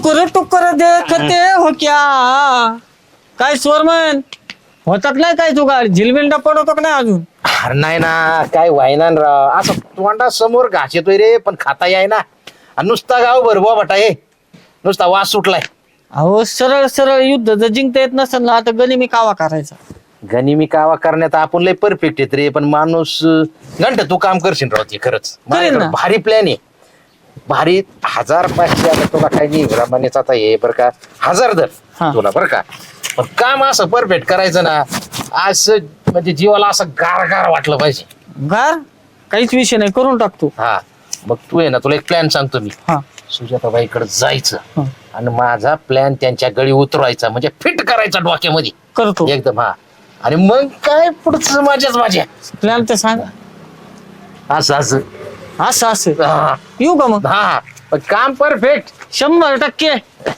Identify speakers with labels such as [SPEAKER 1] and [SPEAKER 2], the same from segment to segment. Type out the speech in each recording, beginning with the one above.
[SPEAKER 1] टुकर देखते हो क्या काय स्वरमन होतात नाही काय तू गाडी झिलमिलडा पडवतो का नाही अजून
[SPEAKER 2] अरे नाही ना काय व्हायना ना राव असं तोंडा समोर घास येतोय रे पण खाता याय ना आणि नुसता गाव भरवा बटा हे नुसता वास सुटलाय.
[SPEAKER 1] अहो सरळ सरळ युद्ध जर जिंकता येत नसेल ना आता गनिमी कावा करायचा.
[SPEAKER 2] गनिमी कावा करण्यात आपण लय परफेक्ट येत रे पण माणूस घंट तू काम करशील राव ते खरंच
[SPEAKER 1] करेन ना.
[SPEAKER 2] माझ्याकडे भारी प्लॅन आहे भारी 1500 आता तुला काय नाही रमानेच आता हे बरं का 1000 दर
[SPEAKER 1] हा.
[SPEAKER 2] तुला बरं का पण काम असं परफेक्ट करायचं ना असं म्हणजे जीवाला असं गार गार वाटलं पाहिजे.
[SPEAKER 1] गार काहीच विषय नाही करून टाकतो.
[SPEAKER 2] हा मग तू आहे ना तुला एक प्लॅन सांगतो मी
[SPEAKER 1] हा
[SPEAKER 2] सुजाताबाईकडे जायचं
[SPEAKER 1] हा.
[SPEAKER 2] आणि माझा प्लॅन त्यांच्या गळी उतरवायचा म्हणजे फिट करायचा डोक्यामध्ये
[SPEAKER 1] करतो
[SPEAKER 2] एकदम हा आणि मग काय पुढचं माझ्या
[SPEAKER 1] प्लॅन तर सांग.
[SPEAKER 2] असं असं
[SPEAKER 1] असं असं
[SPEAKER 2] हा
[SPEAKER 1] येऊ का मग
[SPEAKER 2] हा पण काम परफेक्ट
[SPEAKER 1] 100%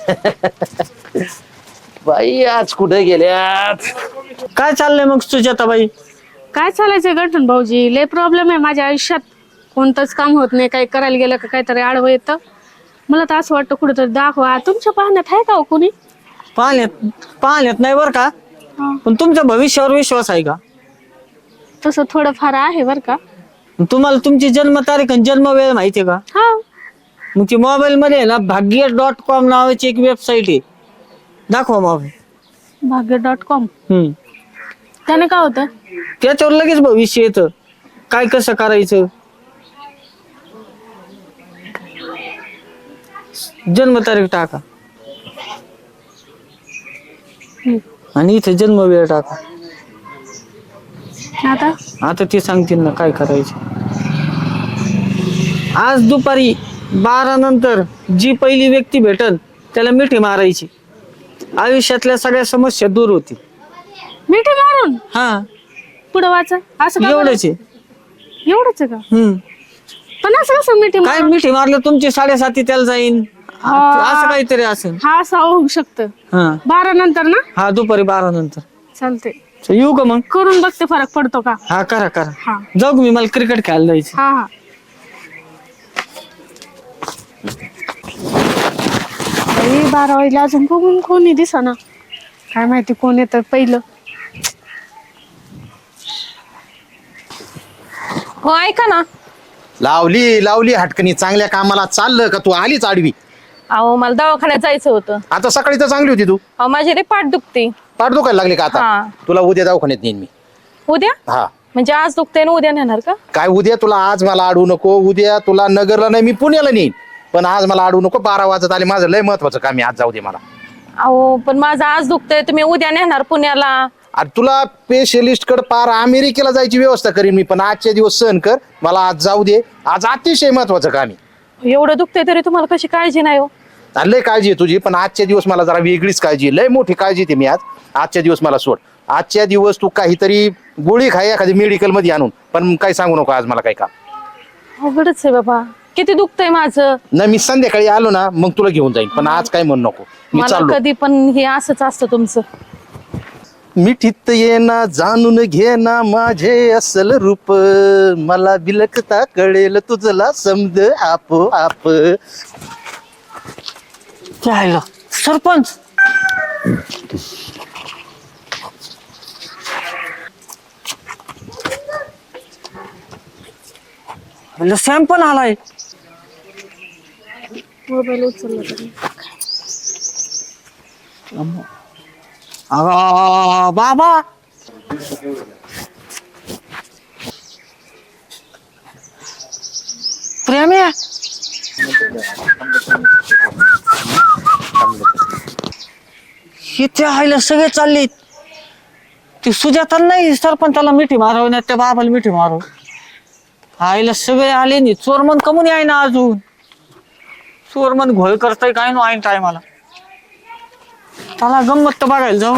[SPEAKER 2] बाई आज कुठे गेल्यात
[SPEAKER 1] काय चाललंय मग सुजाताबाई.
[SPEAKER 3] काय चालायचंय गठन भाऊजी लय प्रॉब्लेम आहे माझ्या आयुष्यात कोणतंच काम होत नाही काही करायला गेलं का काहीतरी आडवं येतं मला तर असं वाटतं कुठेतरी दाखवा तुमच्या पाहण्यात आहे का हो कुणी
[SPEAKER 1] पाहण्यात नाही बरं का पण तुमच्या भविष्यावर विश्वास आहे का.
[SPEAKER 3] तसं थोडंफार आहे बरं का.
[SPEAKER 1] तुम्हाला तुमची जन्मतारीख आणि जन्म वेळ माहितीये का.
[SPEAKER 3] हा
[SPEAKER 1] मग ती मोबाईल मध्ये आहे ना भाग्य.com नावाची एक वेबसाईट आहे दाखवा मोबाईल.
[SPEAKER 3] भाग्य.com त्याने काय होतं
[SPEAKER 1] त्याच्यावर लगेच भविष्य येतं काय कसं करायचं. जन्मतारीख टाका आणि इथे जन्म वेळ टाका. आता ते सांगतील ना काय करायचं. आज दुपारी 12 नंतर जी पहिली व्यक्ती भेटल त्याला मिठी मारायची आयुष्यातल्या सगळ्या समस्या दूर होतील.
[SPEAKER 3] मिठी मारून
[SPEAKER 1] हा
[SPEAKER 3] पुढं वाचा असं का बरं?
[SPEAKER 1] एवढंच आहे.
[SPEAKER 3] एवढंच आहे का पण असं कसं मिठी
[SPEAKER 1] काय मिठी मारलं तुमची 7.5 त्याला जाईन असं काहीतरी असेल.
[SPEAKER 3] हा असं होऊ शकतं
[SPEAKER 1] हा
[SPEAKER 3] 12 नंतर ना
[SPEAKER 1] हा दुपारी 12 नंतर
[SPEAKER 3] चालते
[SPEAKER 1] येऊ का मग.
[SPEAKER 3] करून बघते फरक पडतो का.
[SPEAKER 1] हा करा
[SPEAKER 3] हा.
[SPEAKER 1] जाऊ मी मला क्रिकेट खेळायला जायचं.
[SPEAKER 3] हा हा 12 वाजले अजून बघून कोणी दिसना काय माहिती कोण येतं पहिलं.
[SPEAKER 4] हो ऐका ना
[SPEAKER 2] लावली हटकणी चांगल्या कामाला चाललं का तू आलीच आडवी.
[SPEAKER 4] अहो मला दवाखान्यात जायचं होतं.
[SPEAKER 2] आता सकाळी तर चांगली होती तू
[SPEAKER 4] अहो माझी रे पाठ दुखते.
[SPEAKER 2] पाठ दुखायला लागली का
[SPEAKER 4] हा.
[SPEAKER 2] आता तुला उद्या दवाखान्यात नेईन मी.
[SPEAKER 4] उद्या
[SPEAKER 2] हा
[SPEAKER 4] म्हणजे आज दुखते ना उद्या नेणार का.
[SPEAKER 2] काय उद्या तुला आज मला अडवू नको उद्या तुला नगरला नाही मी पुण्याला नेईन पण आज मला अडवू नको 12 वाजत आले माझं लय महत्वाचं काम आहे आज जाऊ दे मला.
[SPEAKER 4] अहो पण माझं आज दुखतंय तुम्ही उद्या नेणार पुण्याला.
[SPEAKER 2] अरे तुला स्पेशलिस्ट कडे पार अमेरिकेला जायची व्यवस्था करीन मी पण आजचे दिवस सहन कर मला आज जाऊ दे आज अतिशय महत्वाचं काम आहे.
[SPEAKER 4] एवढं दुखतंय तरी तुम्हाला कशी काळजी नाही हो.
[SPEAKER 2] अरे लय काळजी आहे तुझी पण आजच्या दिवस मला जरा वेगळीच काळजी आहे लय मोठी काळजी आहे मी आजच्या दिवस मला सोड आजच्या दिवस तू काहीतरी गोळी खाय एखादी मेडिकल मध्ये आणून पण काही सांगू नको आज मला काही काम.
[SPEAKER 4] अवघडच आहे बाबा किती दुखतंय माझं.
[SPEAKER 2] नाही मी संध्याकाळी आलो ना मग तुला घेऊन जाईन पण आज काय म्हणू नको मी
[SPEAKER 4] मला
[SPEAKER 2] चाललो.
[SPEAKER 4] कधी पण हे असंच असतं तुमचं.
[SPEAKER 2] मिठीत ये ना जाणून घे ना माझे असल रूप मला बिलकता कळेल तुझला समज आपोआप.
[SPEAKER 1] त्याला सरपंच सॅम पण आलाय.
[SPEAKER 3] मोबाईल उचलला तरी
[SPEAKER 1] बाबा प्रेम आहे इथे आईला सगळे चालले ती सुजाता नाही सरपंचाला मिठी मारव ना त्या बाबाला मिठी मारव आईला सगळे आले नाही. चोरमन कमून आहे ना अजून चोरमन घोळ करताय काय नो ऐन टायमाला त्याला गंमत तर बघायला जाऊ.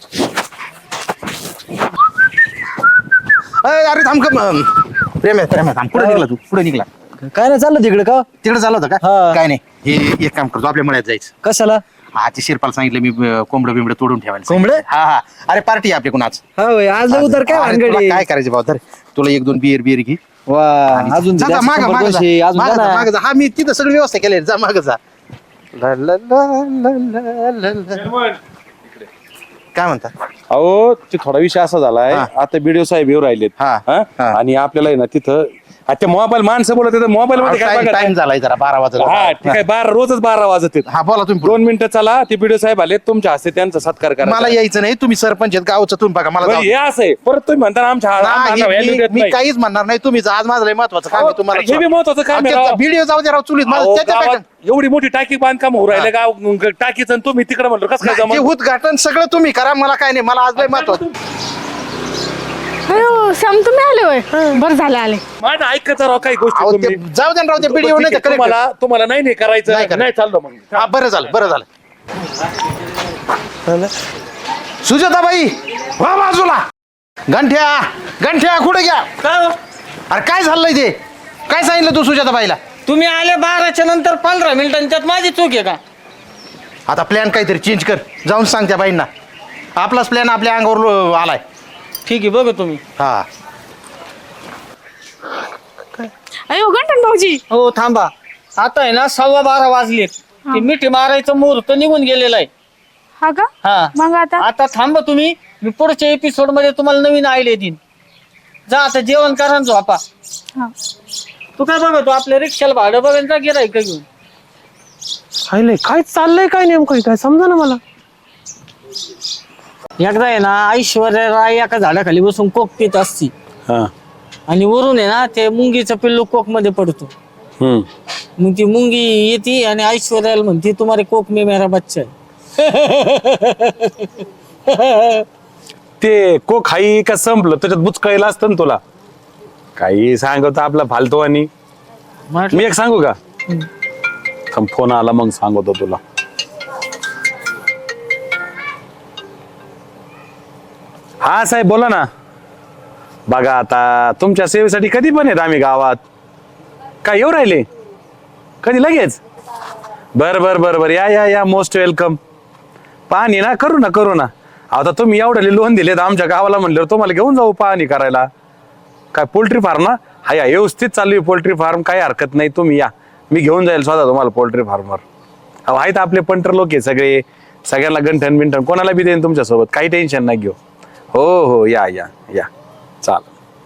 [SPEAKER 2] अरे थांब प्रेम आहे थांब पुढे निघला तू पुढे निघला
[SPEAKER 5] काय नाही चाललं तिकडे का
[SPEAKER 2] तिकडे चाललं होतं का
[SPEAKER 5] हा.
[SPEAKER 2] काय नाही हे एक काम करतो आपल्या मळ्यात जायचं.
[SPEAKER 5] कशाला
[SPEAKER 2] हा ते शिरपाल सांगितलं मी कोंबडं बिंबडं तोडून ठेवायला.
[SPEAKER 5] कोंबडं?
[SPEAKER 2] हा हा अरे पार्टी आपली कुणाच
[SPEAKER 5] हा होय आज उतर काय
[SPEAKER 2] अरे, तुला
[SPEAKER 5] भानगडी
[SPEAKER 2] काय करायचं भाऊ तर तुला 1-2 बियर घे
[SPEAKER 5] वा
[SPEAKER 2] आणि
[SPEAKER 5] अजून
[SPEAKER 2] जा, जा, मागं, मागं जा.
[SPEAKER 5] अजून
[SPEAKER 2] मागं
[SPEAKER 5] जा
[SPEAKER 2] जा,
[SPEAKER 5] ना.
[SPEAKER 2] मागं जा. हा मी तिथं सगळी व्यवस्था केली जा मागं जा ला, ला, ला, ला, ला, ला. काय म्हणता?
[SPEAKER 6] अहो ते थोडा विषय असा झालाय,
[SPEAKER 2] हा.
[SPEAKER 6] आता बीडीओ साहेब येऊ राहिलेत
[SPEAKER 2] हा,
[SPEAKER 6] हा?
[SPEAKER 2] हा.
[SPEAKER 6] आणि आपल्याला आहे ना तिथं आता मोबाईल माणसं बोलत मोबाईल मध्ये काय बघत
[SPEAKER 2] टाइम
[SPEAKER 6] आहे?
[SPEAKER 2] झालाय जरा 12 वाजता.
[SPEAKER 6] हा ठीक आहे, 12 रोजच 12 वाजत आहेत.
[SPEAKER 2] हा बोला तुम्ही पुढे.
[SPEAKER 6] 2 मिनिटं चला, ते बीडीओ साहेब आले, तुमच्या हस्ते त्यांचा सत्कार करा.
[SPEAKER 2] मला यायचं नाही, तुम्ही सरपंच आहेत गावचं, तुम्ही बघा मला जाऊ
[SPEAKER 6] हे
[SPEAKER 2] द्या.
[SPEAKER 6] असं आहे, परत तुम्ही म्हणता ना आमच्या
[SPEAKER 2] नाही,
[SPEAKER 6] value देत
[SPEAKER 2] मी
[SPEAKER 6] नाही.
[SPEAKER 2] काहीच म्हणणार नाही, तुम्ही जा, आज माझं लय महत्वाचं काम आहे तुम्हाला.
[SPEAKER 6] हे बी महत्वाचं काम आहे राव.
[SPEAKER 2] व्हिडिओ जाऊ दे राव चुलीत
[SPEAKER 6] अहो,
[SPEAKER 2] मला त्याच्यापेक्षा
[SPEAKER 6] गावात एवढी मोठी टाकी बांधकाम होऊ राहिले गाव टाकीचं, आणि तुम्ही तिकडे म्हणलो कसं काय
[SPEAKER 2] नाही, ते
[SPEAKER 6] जमलं?
[SPEAKER 2] उद्घाटन सगळं तुम्ही करा, मला काय नाही, मला आज लय महत्वाचं.
[SPEAKER 3] अयो श्याम तुम्ही आले होय बरं झालं आले.
[SPEAKER 6] माझं ऐकत राव काही गोष्टी
[SPEAKER 2] अहो,
[SPEAKER 6] तुम्ही.
[SPEAKER 2] ते जाऊ दे ना राव, ते व्हिडिओ
[SPEAKER 6] ठीक
[SPEAKER 2] नाही
[SPEAKER 6] आहे,
[SPEAKER 2] तर correct.
[SPEAKER 6] तुम्हाला नाही करायचं,
[SPEAKER 2] नाही करायचं.
[SPEAKER 6] नाही चाललो मग.
[SPEAKER 2] हा बरं झालं बरं झालं. सुजाताबाई वा बाजूला. गंठ्या गंठ्या कुठे घ्या?
[SPEAKER 1] काय हो?
[SPEAKER 2] अरे काय झालंय ते? काय सांगितलं तू सुजाताबाईला?
[SPEAKER 1] तुम्ही आले 12च्या नंतर 15 मिनिटांनी, त्यात माझी चूक आहे का?
[SPEAKER 2] आता प्लॅन काहीतरी चेंज कर, जाऊन सांग त्या बाईंना आपलाच प्लॅन आपल्या अंगावर आलाय.
[SPEAKER 1] ठीक आहे, बघा तुम्ही.
[SPEAKER 2] हा
[SPEAKER 3] अयो गंठन भाऊजी
[SPEAKER 1] हो थांबा, आता आहे ना 12:15 वाजलेत. ते मिठी मारायचं मुहूर्त निघून गेलेला आहे.
[SPEAKER 3] हा का
[SPEAKER 1] हा
[SPEAKER 3] मग आता
[SPEAKER 1] आता थांबा तुम्ही, मी पुढच्या एपिसोड मध्ये तुम्हाला नवीन आयले देईन. जा आता जेवण करा आणि झोपा.
[SPEAKER 3] हा.
[SPEAKER 1] तू काय बघतो आपल्या रिक्षाला भाडं बघायला जा, गिराईक का घेऊन.
[SPEAKER 5] काय चाललंय काय नेमकं काय समजा ना मला.
[SPEAKER 1] एकदा आहे ना ऐश्वर्या राय एका झाडाखाली बसून कोक पित असती,
[SPEAKER 6] हा.
[SPEAKER 1] आणि वरून आहे ना ते मुंगीचं पिल्लू कोक मध्ये पडतो.
[SPEAKER 6] हम्म.
[SPEAKER 1] मग ती मुंगी येते आणि ऐश्वर्याला म्हणते तुम्हारे कोक में मेरा बच्चा है.
[SPEAKER 6] ते को खाई का संपलं त्याच्यात बुचकायला असतं ना तुला. काही सांगतो आपला फालतू. आणि मी एक सांगू का? थांब, फोन आला मग सांगतो तुला. हा साहेब बोला ना. बघा आता तुमच्या सेवेसाठी कधी पण येत आम्ही गावात. काय येऊ राहिले? कधी लगेच? बर बर बर बर, या या या, मोस्ट वेलकम. पाहणी ना करू ना. आता तुम्ही एवढे लोन दिलेत आमच्या गावाला, म्हणल्यावर तुम्हाला घेऊन जाऊ पाहणी करायला. काय पोल्ट्री फार्म ना? हा या, व्यवस्थित चालू आहे पोल्ट्री फार्म, काही हरकत नाही. तुम्ही या, मी घेऊन जाईल स्वतः तुम्हाला पोल्ट्री फार्मवर. अहो आहेत आपले पंटर लोक आहे सगळे, सगळ्यांना गंठन बिंठन कोणाला बी देईन तुमच्यासोबत, काही टेन्शन नाही घेऊ. हो हो या या या, चाल.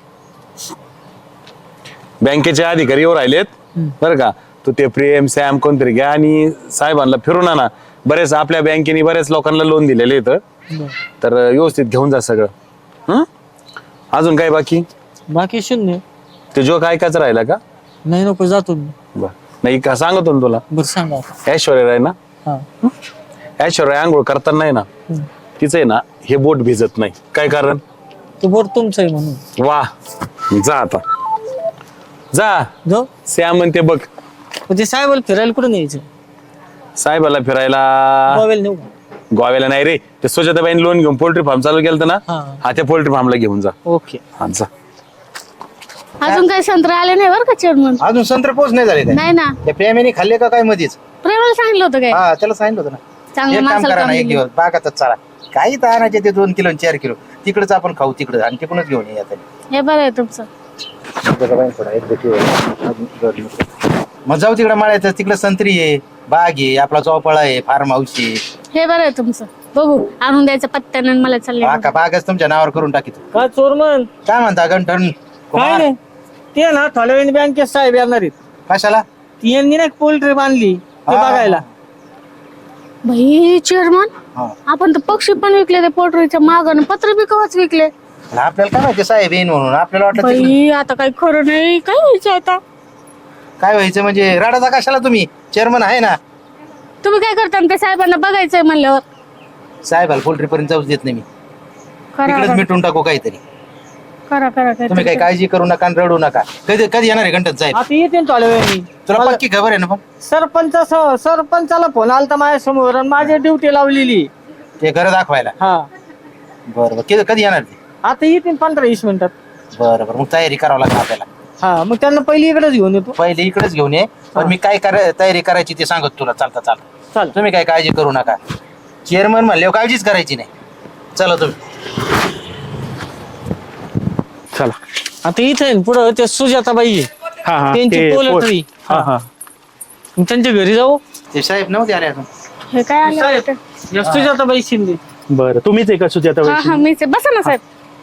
[SPEAKER 6] बँकेचे अधिकारी येऊ राहिलेत बरं का. तू ते प्रेम सॅम कोणतरी घ्या आणि साहेबांना फिरून आणा. बरेच आपल्या बँकेने बऱ्याच लोकांना लोन दिलेले इथं, तर व्यवस्थित घेऊन जा सगळं. अजून काय
[SPEAKER 1] बाकी शून्य.
[SPEAKER 6] ते जोक ऐकायचं राहिला का?
[SPEAKER 1] नाही नको, जातो मी.
[SPEAKER 6] बर नाही का, सांगतो ना तुला.
[SPEAKER 1] बरं सांगा.
[SPEAKER 6] ऐश्वर्या आहे ना,
[SPEAKER 1] हा.
[SPEAKER 6] ऐश्वर्या आंघोळ करताना नाही ना, तिचं आहे ना हे बोट भिजत नाही. काय कारण?
[SPEAKER 1] ते बोट तुमचं आहे म्हणून.
[SPEAKER 6] वा, जा आता जा.
[SPEAKER 1] जाऊ.
[SPEAKER 6] सॅम म्हणते बघ,
[SPEAKER 1] ते साहेबाला फिरायला कुठं न्यायचं?
[SPEAKER 6] साहेबाला फिरायला
[SPEAKER 1] गोव्याला नेऊ.
[SPEAKER 6] गोव्याला नाही रे, ते सुजाताबाईने लोन घेऊन पोल्ट्री फार्म चालू केलं ना,
[SPEAKER 1] हा.
[SPEAKER 6] हा त्या पोल्ट्री फार्मला घेऊन जा.
[SPEAKER 1] ओके.
[SPEAKER 6] हा जा.
[SPEAKER 3] अजून काही संत्र आले नाही बरं का चेअरमन.
[SPEAKER 2] अजून संत्र पोच नाही झाले
[SPEAKER 3] नाही ना,
[SPEAKER 2] त्या प्रेमीने खाल्ले का काय मध्येच?
[SPEAKER 3] प्रेमाला सांगितलं होतं काय
[SPEAKER 2] हा त्याला सांगितलं होतं ना,
[SPEAKER 3] चांगल्या
[SPEAKER 2] एक काम
[SPEAKER 3] माणसाला
[SPEAKER 2] करा
[SPEAKER 3] काम
[SPEAKER 2] ना, एक
[SPEAKER 3] दिलं.
[SPEAKER 2] दिवस बागातच चाला, काही तर आणायचे ते 2 किलो 4 किलो, तिकडच आपण खाऊ तिकडे आणि तिकडूनच घेऊन ये आता.
[SPEAKER 3] हे बरं आहे तुमचं.
[SPEAKER 2] मग जाऊ तिकडे माळ्यात, तिकडे संत्री आहे, बाग आहे, आपला चौपाळा आहे, फार्म हाऊस आहे.
[SPEAKER 3] हे बरं आहे तुमचं. बघू आणून द्यायचं पत्त्यानं आणि मला चालले.
[SPEAKER 2] का बागच तुमच्या नावावर करून टाकीत.
[SPEAKER 1] काय चोरमन?
[SPEAKER 2] काय म्हणता गंठन
[SPEAKER 1] काय
[SPEAKER 2] कुमार?
[SPEAKER 1] नाही, ते ना थोड्या वेळाने बँकेत साहेब येणार आहेत.
[SPEAKER 2] कशाला?
[SPEAKER 1] ती यांनी ना पोल्ट्री बांधली ते
[SPEAKER 2] हा.
[SPEAKER 1] बघायला.
[SPEAKER 3] भाई चेअरमन,
[SPEAKER 2] हा.
[SPEAKER 3] आपण तर पक्षी पण विकले ते पोल्ट्रीच्या मागं, पत्र बी कवाच विकले.
[SPEAKER 2] आपल्याला काय माहिती साहेब येईन म्हणून, आपल्याला वाटलं तिकडे-
[SPEAKER 3] बाई आता काही खरं नाही. काय व्हायचं आता?
[SPEAKER 2] काय व्हायचं म्हणजे राडाचा कशाला, तुम्ही चेअरमन आहे ना.
[SPEAKER 3] तुम्ही काय करता ते साहेबांना बघायचंय म्हणल्यावर?
[SPEAKER 2] साहेबाला पोल्ट्री पर्यंत जाऊच देत नाही मी,
[SPEAKER 3] करा
[SPEAKER 2] तिकडेच
[SPEAKER 3] करा
[SPEAKER 2] मिटून टाकू काहीतरी.
[SPEAKER 3] करा करा
[SPEAKER 2] तुम्ही काही काळजी करू नका आणि रडू नका. कधी कधी येणार आहे गंठन साहेब?
[SPEAKER 1] आता येते ना थोड्या वेळाने.
[SPEAKER 2] तुला पक्की खबर आहे ना? पण
[SPEAKER 1] सरपंचाला फोन आलता माझ्या समोर आणि माझी ड्युटी लावलेली.
[SPEAKER 2] ते घर दाखवायला.
[SPEAKER 1] हा.
[SPEAKER 2] बरं कधी येणार ते?
[SPEAKER 1] आता येतील 15-20 मिनिटात.
[SPEAKER 2] बरं मग तयारी करावं लागेल आपल्याला.
[SPEAKER 1] हा, मग त्यांना पहिली इकडेच घेऊन येतो.
[SPEAKER 2] पहिले इकडेच घेऊन ये, पण मी काय तयारी करायची ते सांगत तुला. चालता
[SPEAKER 1] चाल.
[SPEAKER 2] तुम्ही काय काळजी करू नका. चेअरमन म्हणले काळजीच करायची नाही. चला तुम्ही.
[SPEAKER 5] चला.
[SPEAKER 1] आता इथे पुढं ते सुजाताबाई आहे.
[SPEAKER 5] हा हा
[SPEAKER 1] त्यांची
[SPEAKER 5] ते
[SPEAKER 1] पोल्ट्री.
[SPEAKER 5] हा हा
[SPEAKER 1] मग त्यांच्या घरी जाऊ.
[SPEAKER 2] ते साहेब नव्हते आले अजून.
[SPEAKER 3] हे काय आलं
[SPEAKER 1] साहेब
[SPEAKER 3] वाटतं?
[SPEAKER 1] या सुजाताबाई शिंदे.
[SPEAKER 5] बरं तुम्हीच आहे का सुजाता
[SPEAKER 3] हा हा मीच आहे. बसा ना साहेब.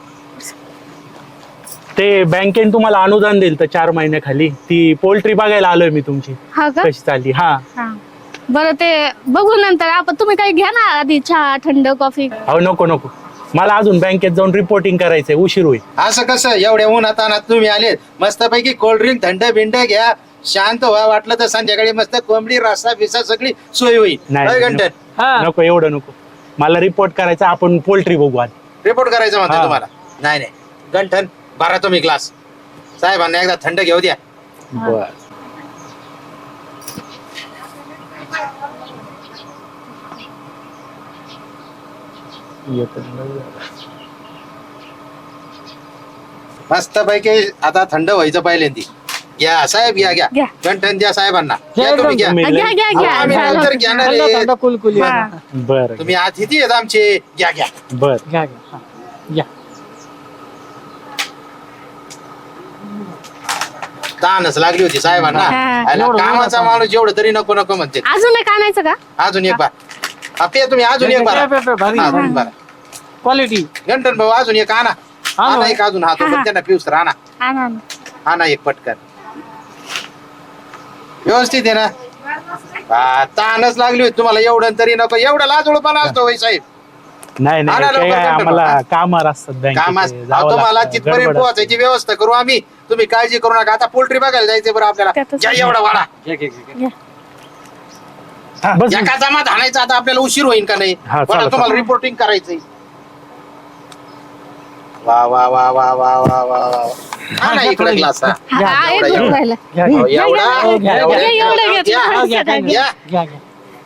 [SPEAKER 5] ते बँकेने तुम्हाला अनुदान दिलं तर 4 महिन्याखाली ती पोल्ट्री बघायला आलोय मी तुमची
[SPEAKER 3] हा का?
[SPEAKER 5] कशी चालली. हा
[SPEAKER 3] हा बरं ते बघू नंतर. आपण तुम्ही काही घ्या ना आधी चहा थंड कॉफी.
[SPEAKER 5] अहो नको नको मला अजून बँकेत जाऊन रिपोर्टिंग करायचंय उशीर होईल.
[SPEAKER 2] असं कसं एवढ्या उन्हात अनात तुम्ही आलेत मस्तपैकी कोल्ड्रिंक थंड बिंड घ्या शांत व्हा वाटलं तर संध्याकाळी मस्त कोंबडी रस्सा बिसा सगळी सोय होईल.
[SPEAKER 5] नाही,
[SPEAKER 2] घंटन
[SPEAKER 1] हा
[SPEAKER 5] नको एवढं नको मला रिपोर्ट करायचा आपण पोल्ट्री बघू आज.
[SPEAKER 2] रिपोर्ट करायचं म्हणतो
[SPEAKER 5] हा.
[SPEAKER 2] तुम्हाला. नाही नाही गंठन भरा तुम्ही ग्लास साहेबांना एकदा थंड घेऊ द्या.
[SPEAKER 5] बर
[SPEAKER 2] मस्तपैकी आता थंड व्हायचं पहिल्यांदी. घ्या साहेब घ्या घ्या
[SPEAKER 3] घ्या.
[SPEAKER 2] गंठन द्या साहेबांना
[SPEAKER 1] घ्या
[SPEAKER 2] घ्या तुम्ही घ्या.
[SPEAKER 5] तुम्ही
[SPEAKER 3] घ्या घ्या घ्या
[SPEAKER 2] आम्ही
[SPEAKER 3] झालं.
[SPEAKER 2] नंतर घेणार
[SPEAKER 1] थंड
[SPEAKER 2] आहे.
[SPEAKER 1] थंड कुलकुली
[SPEAKER 3] हा.
[SPEAKER 5] बर
[SPEAKER 2] तुम्ही अतिथी आहेत आमचे घ्या घ्या.
[SPEAKER 5] बर
[SPEAKER 1] घ्या घ्या हा. घ्या.
[SPEAKER 2] तानच लागली होती साहेबांना.
[SPEAKER 3] हा.
[SPEAKER 2] आयला
[SPEAKER 1] एवढं
[SPEAKER 2] कामाचा
[SPEAKER 1] एवढं
[SPEAKER 2] माणूस जेवढं तरी नको नको म्हणते.
[SPEAKER 3] अजून एक आणायचं का?
[SPEAKER 2] अजून एक बार पे तुम्ही अजून एक बार
[SPEAKER 1] पे, भारी क्वालिटी.
[SPEAKER 2] गंठन भाऊ अजून एक आणा.
[SPEAKER 1] आणू.
[SPEAKER 2] आणा एक अजून हा तो पण त्यांना पिऊस तर आणा.
[SPEAKER 3] आणा ना.
[SPEAKER 2] आणा एक पटकन व्यवस्थित आहे ना. तानच लागली होती तुम्हाला एवढं तरी नको. एवढा लाजोळपणा असतो होय साहेब.
[SPEAKER 5] नाही नाही
[SPEAKER 2] आणा
[SPEAKER 5] काय
[SPEAKER 2] लवकर
[SPEAKER 5] काय
[SPEAKER 2] कंटाळा.
[SPEAKER 5] आम्हाला कामावर असतात
[SPEAKER 2] कामास
[SPEAKER 5] बँकेत जावं
[SPEAKER 2] तुम्हाला
[SPEAKER 5] लागतं,
[SPEAKER 2] तिथपर्यंत
[SPEAKER 5] गडबड
[SPEAKER 2] पोहोचायची व्यवस्था करू आम्ही. तुम्ही काळजी करू नका. आता पोल्ट्री बघायला जायचं बरं आपल्याला.
[SPEAKER 3] त्यातच
[SPEAKER 2] घ्या एवढा वाडा
[SPEAKER 5] असतं. हा, बस
[SPEAKER 2] एका जमात आणायचा. आता आपल्याला उशीर होईल का नाही.
[SPEAKER 5] हा,
[SPEAKER 2] वाडा
[SPEAKER 5] चालेल,
[SPEAKER 2] तुम्हाला
[SPEAKER 5] चालेल.
[SPEAKER 2] रिपोर्टिंग करायचंय. वा वा वा वा वा वा वा वा. हा ना इकडे ग्लास.
[SPEAKER 3] हा, हा, एक घेऊन राहिला.
[SPEAKER 5] घ्या, घ्या.
[SPEAKER 2] एवढा
[SPEAKER 3] घ्या,
[SPEAKER 2] एवढा-
[SPEAKER 3] घ्या, एवढं घेतलं.
[SPEAKER 2] घ्या.
[SPEAKER 1] हा, घ्या, घ्या,
[SPEAKER 2] घ्या.
[SPEAKER 1] घ्या घ्या.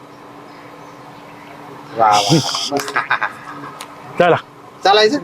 [SPEAKER 2] वा वा.
[SPEAKER 5] चला
[SPEAKER 2] चालायचं.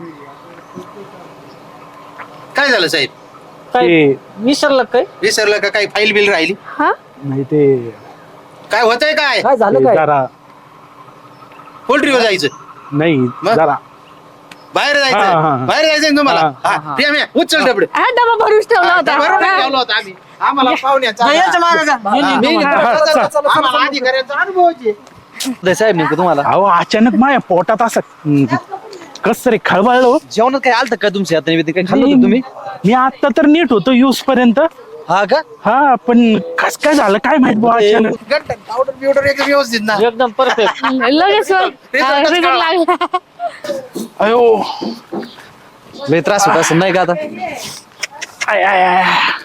[SPEAKER 2] काय झालं साहेब
[SPEAKER 1] काय
[SPEAKER 5] ते
[SPEAKER 1] विसरलं काय?
[SPEAKER 2] विसरलं का काही फाईल बिल राहिली.
[SPEAKER 3] हा
[SPEAKER 5] नाही ते
[SPEAKER 2] काय होतंय काय
[SPEAKER 1] काय झालं
[SPEAKER 5] ते
[SPEAKER 1] काय?
[SPEAKER 5] जरा
[SPEAKER 2] पोल्ट्रीवर जायचं
[SPEAKER 5] नाही
[SPEAKER 2] मग?
[SPEAKER 5] जरा
[SPEAKER 2] बाहेर
[SPEAKER 5] हा, हा,
[SPEAKER 2] जायचं
[SPEAKER 5] हा.
[SPEAKER 2] बाहेर जायचं ना तुम्हाला.
[SPEAKER 5] हा,
[SPEAKER 2] हा, प्रिया, म्या, उचल डबडे.
[SPEAKER 3] हा डबा भरूच ठेवला होता.
[SPEAKER 2] बरोबर
[SPEAKER 3] हा.
[SPEAKER 2] ठेवलं होतं आम्ही. आम्हाला पाहुण्याचा
[SPEAKER 1] नाही, याच्या मागं जा.
[SPEAKER 2] हा.
[SPEAKER 1] मी घेतो.
[SPEAKER 2] आम्हाला अधिकाऱ्याचा अनुभव आहे.
[SPEAKER 1] साहेब नेमकं तुम्हाला
[SPEAKER 5] अहो अचानक माझ्या पोटात असं कस तरी खळबळलो.
[SPEAKER 1] जेवणात काय आलं काय तुमच्या हाताने काय खाल्लं
[SPEAKER 5] मी
[SPEAKER 1] होतं तुम्ही?
[SPEAKER 5] मी आता तर नीट होतो यूज पर्यंत.
[SPEAKER 1] हा का?
[SPEAKER 5] हा पण कस काय झालं काय माहित बुवा अचानक.
[SPEAKER 2] गंठन, पावडर बिवडर एकदम व्यवस्थित ना.
[SPEAKER 1] एकदम परफेक्ट.
[SPEAKER 3] लगेच
[SPEAKER 2] रिझल्टच
[SPEAKER 3] रिझल्ट लागला.
[SPEAKER 5] अयो
[SPEAKER 1] लय त्रास होत असं नाही का आता?
[SPEAKER 5] आय, आय, आय.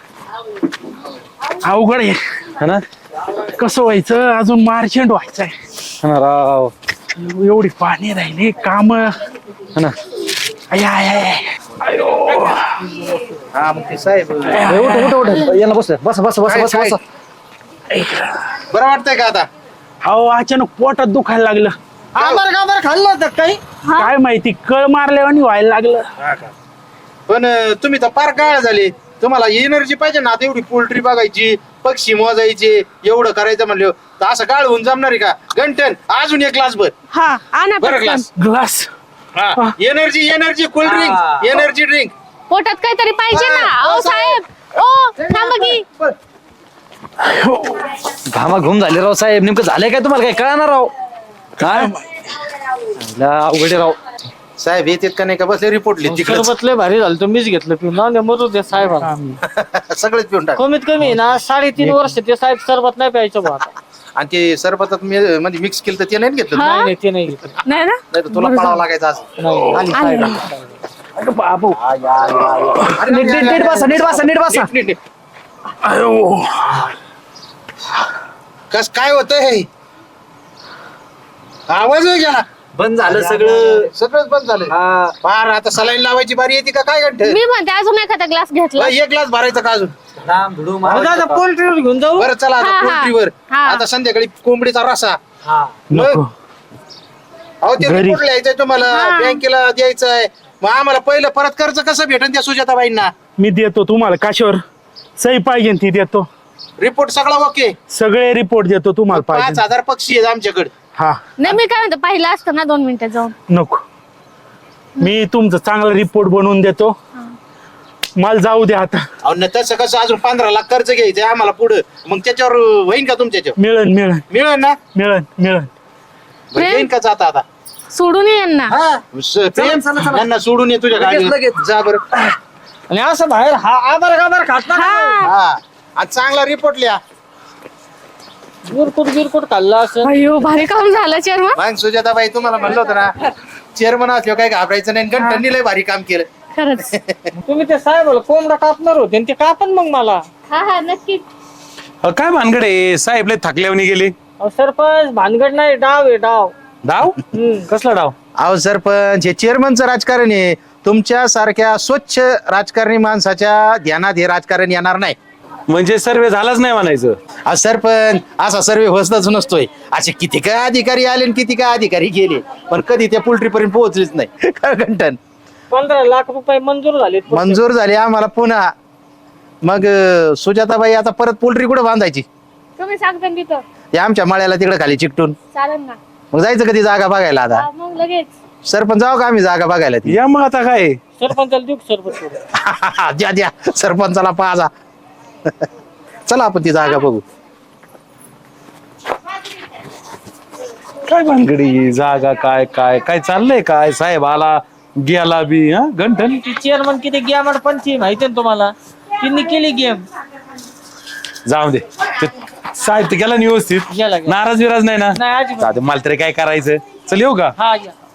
[SPEAKER 5] अवघड आहे
[SPEAKER 1] है ना?
[SPEAKER 5] कसं व्हायचं अजून मार्चंट व्हायचंय.
[SPEAKER 1] है ना राव.
[SPEAKER 5] एवढी पाणी राहिली काम.
[SPEAKER 1] है ना?
[SPEAKER 5] आय, आय, आय. अयो
[SPEAKER 2] हा मग ते साहेब
[SPEAKER 1] ए, उठ उठ उठ. याला बस बस बस बस बस बस.
[SPEAKER 2] बरं वाटतंय का आता.
[SPEAKER 5] अहो अचानक पोटात दुखायला लागलं.
[SPEAKER 1] आंबर खाल्लं होतं काही?
[SPEAKER 5] काय माहिती कळ मारल्यावानी व्हायला लागलं.
[SPEAKER 2] पण तुम्ही तर फार काळ झाले. तुम्हाला एनर्जी पाहिजे ना. आता एवढी पोल्ट्री बघायची पक्षी मोजायचे एवढं करायचं म्हणलं तर असं काळ होऊन जमणार आहे का. गंठन अजून एक ग्लास भर.
[SPEAKER 3] हा आणा
[SPEAKER 2] बरं
[SPEAKER 3] पटकन.
[SPEAKER 2] Glass.
[SPEAKER 5] Glass
[SPEAKER 2] energy energy cold drink energy drink.
[SPEAKER 3] पोटात काहीतरी पाहिजे ना. ओ साहेब ओ थांबा की.
[SPEAKER 1] घामा घुम झाले राव साहेब. नेमकं झालंय काय तुम्हाला? काय कळणार राव? काय अवघड राव.
[SPEAKER 2] साहेब येतात का नाही का बसले रिपोर्ट लिहित तिकडे.
[SPEAKER 1] सरबत लय भारी झालं. तुम्हीच घेतलं पिऊन ना. मरू दे साहेब.
[SPEAKER 2] सगळेच पिऊन टाक.
[SPEAKER 1] कमीत कमी ना 3.5 वर्ष ते साहेब सरबत नाही प्यायचं बुवा आता.
[SPEAKER 2] आणि ते सरबतात म्हणजे मिक्स केलं तर ते नाही घेतलं.
[SPEAKER 3] हा?
[SPEAKER 1] नाही नाही, ते नाही घेतलं.
[SPEAKER 3] नाही ना.
[SPEAKER 2] नाही तर तुला पळावं लागायचं आज.
[SPEAKER 1] नाही आली साहेब.
[SPEAKER 2] नीट, नीट, नीट.
[SPEAKER 5] अयो
[SPEAKER 2] कस काय होतंय. आवाज गेला.
[SPEAKER 1] बंद झालं सगळं.
[SPEAKER 2] सगळंच बंद झालं. फार आता सलाईन लावायची बारी येते का काय घंटे.
[SPEAKER 3] मी म्हणते अजून एखादा ग्लास घेतला.
[SPEAKER 2] एक ग्लास भरायचा का अजून.
[SPEAKER 1] पोल्ट्रीवर घेऊन जाऊ.
[SPEAKER 2] बरं चला आता
[SPEAKER 3] हा, हा.
[SPEAKER 2] पोल्ट्रीवर.
[SPEAKER 3] हा.
[SPEAKER 2] आता संध्याकाळी कोंबडीचा रसा.
[SPEAKER 5] नको
[SPEAKER 2] अहो ते
[SPEAKER 5] घरी.
[SPEAKER 2] रिपोर्ट लिहायचंय तुम्हाला.
[SPEAKER 3] हा.
[SPEAKER 2] बँकेला द्यायचंय. मग आम्हाला पहिलं परत कर्ज कसं भेटन त्या सुजाताबाईंना.
[SPEAKER 5] मी देतो तुम्हाला काशावर सही पाहिजे ती देतो.
[SPEAKER 2] रिपोर्ट सगळा ओके.
[SPEAKER 5] सगळे रिपोर्ट देतो तुम्हाला पाहिजे.
[SPEAKER 2] 5,000 पक्षी आहेत आमच्याकडे.
[SPEAKER 5] हा
[SPEAKER 3] नाही मी काय म्हणते पाहिलं असतं ना 2 मिनिटं जाऊन.
[SPEAKER 5] नको मी तुमचं चांगला रिपोर्ट बनवून देतो. मला जाऊ द्या आता.
[SPEAKER 2] अहो न तसं कसं अजून 15 लाख कर्ज घ्यायचंय आम्हाला पुढं, मग त्याच्यावर होईन का तुमच्याच्यावर?
[SPEAKER 5] मिळन मिळन
[SPEAKER 2] मिळेल ना?
[SPEAKER 5] मिळन मिळन.
[SPEAKER 2] बरं, येईन का जाता आता?
[SPEAKER 3] सोडून ये यांना.
[SPEAKER 2] प्रेम यांना सोडून ये तुझ्या गाडीवर जा बरं.
[SPEAKER 1] आणि असं बाहेर हा आधार गाधार खात ना
[SPEAKER 2] हा आज चांगला रिपोर्ट लिहा.
[SPEAKER 1] गिरकुट खाल्ला असं.
[SPEAKER 3] अयो भारी काम झालं चेअरमन.
[SPEAKER 2] मग सुजाताबाई तुम्हाला म्हणलं होतं ना चेअरमन असल्यावर काही घाबरायचं नाही. गणपतीने लय भारी काम केलं.
[SPEAKER 3] खरंच.
[SPEAKER 1] तुम्ही ते साहेब कोंबडा कापणार होते आणि ते कापन मग मला.
[SPEAKER 3] हा हा नक्कीच.
[SPEAKER 6] काय भानगड आहे साहेब लय थकल्यावनी गेली.
[SPEAKER 1] अहो, सरपंच भानगड नाही, डाव आहे डाव.
[SPEAKER 6] डाव कसला डाव.
[SPEAKER 2] अहो सरपंच हे चेअरमनचं राजकारण आहे. तुमच्या सारख्या स्वच्छ राजकारणी माणसाच्या ध्यानात हे राजकारण येणार नाही.
[SPEAKER 6] म्हणजे सर्वे झालाच नाही म्हणायचं.
[SPEAKER 2] आज सरपंच असा सर्वे होतच नसतोय. असे किती काय अधिकारी आले आणि किती काय अधिकारी गेले, पण कधी त्या पोल्ट्री पर्यंत पोहोचलेच नाही. काय घंटन
[SPEAKER 1] 15 लाख रुपये मंजूर झाले.
[SPEAKER 2] मंजूर झाले आम्हाला पुन्हा. मग सुजाताबाई आता परत पोल्ट्री कुठं बांधायची?
[SPEAKER 3] तुम्ही सांगता ना तिथं.
[SPEAKER 2] ते आमच्या मळ्याला तिकडे खाली चिकटून.
[SPEAKER 3] चालेल ना.
[SPEAKER 2] मग जायचं कधी जागा बघायला आता?
[SPEAKER 3] हा, मग लगेच.
[SPEAKER 2] सरपंच जाऊ का आम्ही जागा बघायला ती?
[SPEAKER 6] या मग आता काय.
[SPEAKER 1] सरपंचाला देऊ का सरपंच?
[SPEAKER 2] द्या द्या सरपंचाला पाहा. चला आपण ती जागा बघू.
[SPEAKER 6] काय भानगडी जागा काय काय काय चाललंय काय. साहेब आला गेला बी. हा गंठन
[SPEAKER 1] ती चेअरमन किती गेमड पंची माहिती ना तुम्हाला. तिने केली गेम.
[SPEAKER 6] जाऊ दे. ते साहेब ते गेला ना व्यवस्थित.
[SPEAKER 1] गेला.
[SPEAKER 6] नाराज विराज नाही ना.
[SPEAKER 1] नाही अजिबात.
[SPEAKER 6] जाऊ दे, मला तरी काय करायचं. चल येऊ का.
[SPEAKER 1] हा या.